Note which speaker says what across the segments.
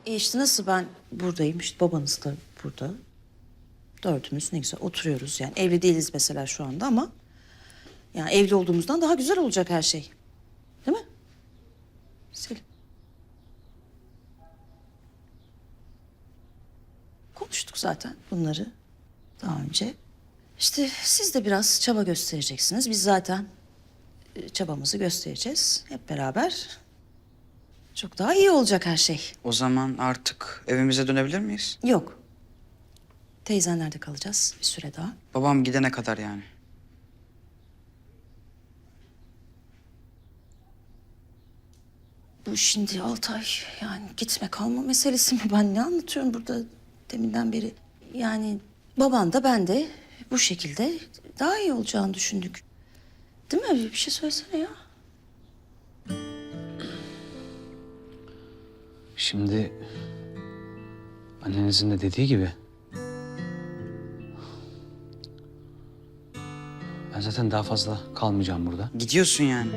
Speaker 1: işte nasıl ben buradayım, işte babanız da burada. Dördümüz ne güzel oturuyoruz yani. Evli değiliz mesela şu anda ama... yani evli olduğumuzdan daha güzel olacak her şey. Değil mi? Selim. Konuştuk zaten bunları daha önce. İşte siz de biraz çaba göstereceksiniz. Biz zaten çabamızı göstereceğiz hep beraber. Çok daha iyi olacak her şey.
Speaker 2: O zaman artık evimize dönebilir miyiz?
Speaker 1: Yok. Teyzenlerde kalacağız bir süre daha.
Speaker 2: Babam gidene kadar yani.
Speaker 1: Bu şimdi Altay yani gitme kalma meselesi mi? Ben ne anlatıyorum burada deminden beri? Yani baban da ben de bu şekilde daha iyi olacağını düşündük. Değil mi? Bir şey söylesene ya.
Speaker 3: Şimdi annenizin de dediği gibi ben zaten daha fazla kalmayacağım burada.
Speaker 2: Gidiyorsun yani.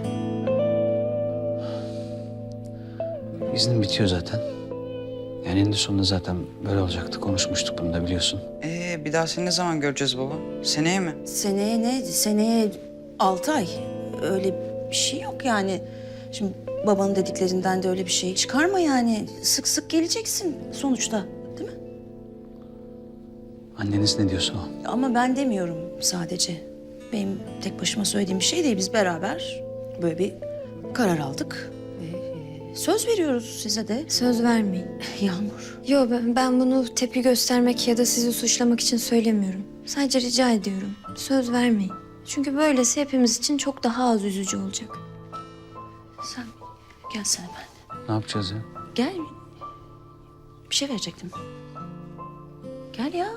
Speaker 3: İznim bitiyor zaten. Yani eninde sonunda zaten böyle olacaktı. Konuşmuştuk bunu da biliyorsun.
Speaker 2: Bir daha seni ne zaman göreceğiz baba? Seneye mi?
Speaker 1: Seneye ne? Seneye 6 ay. Öyle bir şey yok yani. Şimdi babanın dediklerinden de öyle bir şey çıkarma yani. Sık sık geleceksin sonuçta. Değil mi?
Speaker 3: Anneniz ne diyorsa o.
Speaker 1: Ama ben demiyorum sadece. Benim tek başıma söylediğim bir şey değil. Biz beraber böyle bir karar aldık. Ve söz veriyoruz size de.
Speaker 4: Söz vermeyin.
Speaker 1: Yağmur.
Speaker 4: Yo ben bunu tepki göstermek ya da sizi suçlamak için söylemiyorum. Sadece rica ediyorum. Söz vermeyin. Çünkü böylesi hepimiz için çok daha az üzücü olacak.
Speaker 1: Sen gelsene ben.
Speaker 3: Ne yapacağız ya?
Speaker 1: Gel. Bir şey verecektim. Gel ya.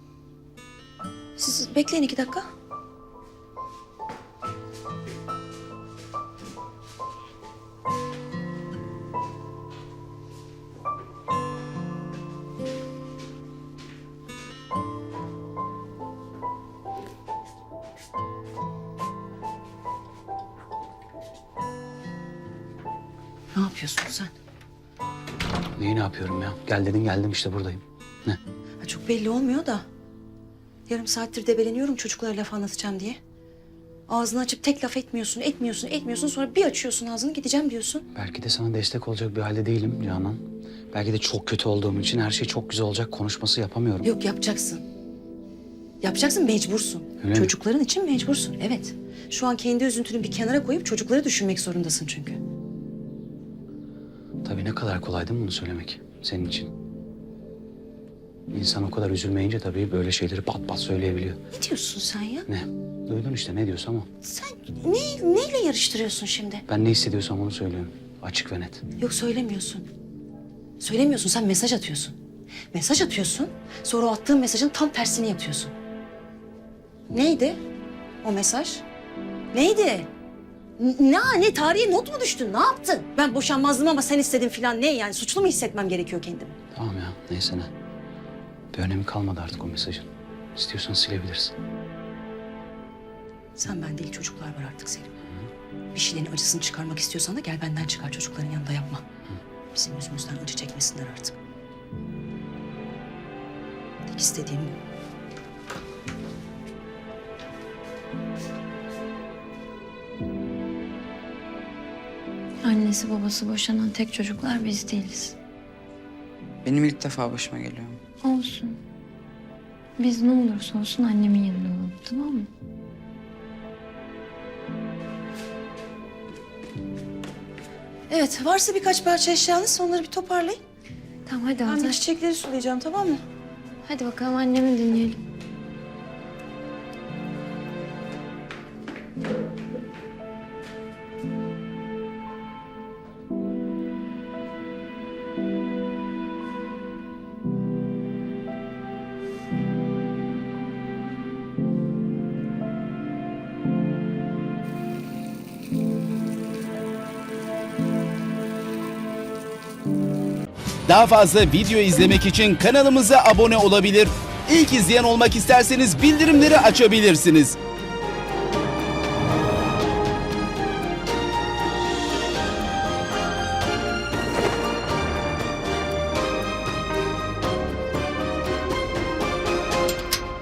Speaker 1: Siz bekleyin 2 dakika. Ne yapıyorsun sen?
Speaker 3: Neyi ne yapıyorum ya? Gel dedin geldim işte buradayım. Ne?
Speaker 1: Ha, çok belli olmuyor da. Yarım saattir debeleniyorum çocuklara laf anlatacağım diye. Ağzını açıp tek laf etmiyorsun. Sonra bir açıyorsun ağzını gideceğim diyorsun.
Speaker 3: Belki de sana destek olacak bir halde değilim Canan. Belki de çok kötü olduğum için her şey çok güzel olacak konuşması yapamıyorum.
Speaker 1: Yok yapacaksın. Yapacaksın mecbursun.
Speaker 3: Öyle mi?
Speaker 1: Çocukların için mecbursun evet. Şu an kendi üzüntünü bir kenara koyup çocukları düşünmek zorundasın çünkü.
Speaker 3: Tabii ne kadar kolay değil mi bunu söylemek senin için? İnsan o kadar üzülmeyince tabii böyle şeyleri pat pat söyleyebiliyor.
Speaker 1: Ne diyorsun sen ya?
Speaker 3: Ne? Duydun işte ne diyorsam o.
Speaker 1: Sen neyle yarıştırıyorsun şimdi?
Speaker 3: Ben ne hissediyorsam onu söylüyorum. Açık ve net.
Speaker 1: Yok söylemiyorsun. Söylemiyorsun sen mesaj atıyorsun. Mesaj atıyorsun sonra o attığın mesajın tam tersini yapıyorsun. Neydi o mesaj? Neydi? Ne tarihe not mu düştün? Ne yaptın? Ben boşanmazdım ama sen istedin falan ne yani? Suçlu mu hissetmem gerekiyor kendimi?
Speaker 3: Tamam ya neyse ne. Bir önemi kalmadı artık o mesajın. İstiyorsan silebilirsin.
Speaker 1: Sen ben değil çocuklar var artık Selim. Bir şeylerin acısını çıkarmak istiyorsan da gel benden çıkar çocukların yanında yapma. Bizim yüzümüzden acı çekmesinler artık. Tek istediğim bu.
Speaker 4: Annesi babası boşanan tek çocuklar biz değiliz.
Speaker 2: Benim ilk defa başıma geliyor.
Speaker 4: Olsun. Biz ne olursa olsun annemin yanında olalım, tamam mı?
Speaker 1: Evet varsa birkaç parça eşyanız onları bir toparlayın.
Speaker 4: Tamam hadi
Speaker 1: Ben bir
Speaker 4: Altay.
Speaker 1: çiçekleri sulayacağım tamam mı?
Speaker 4: Hadi bakalım annemi dinleyelim.
Speaker 5: Daha fazla video izlemek için kanalımıza abone olabilir. İlk izleyen olmak isterseniz bildirimleri açabilirsiniz.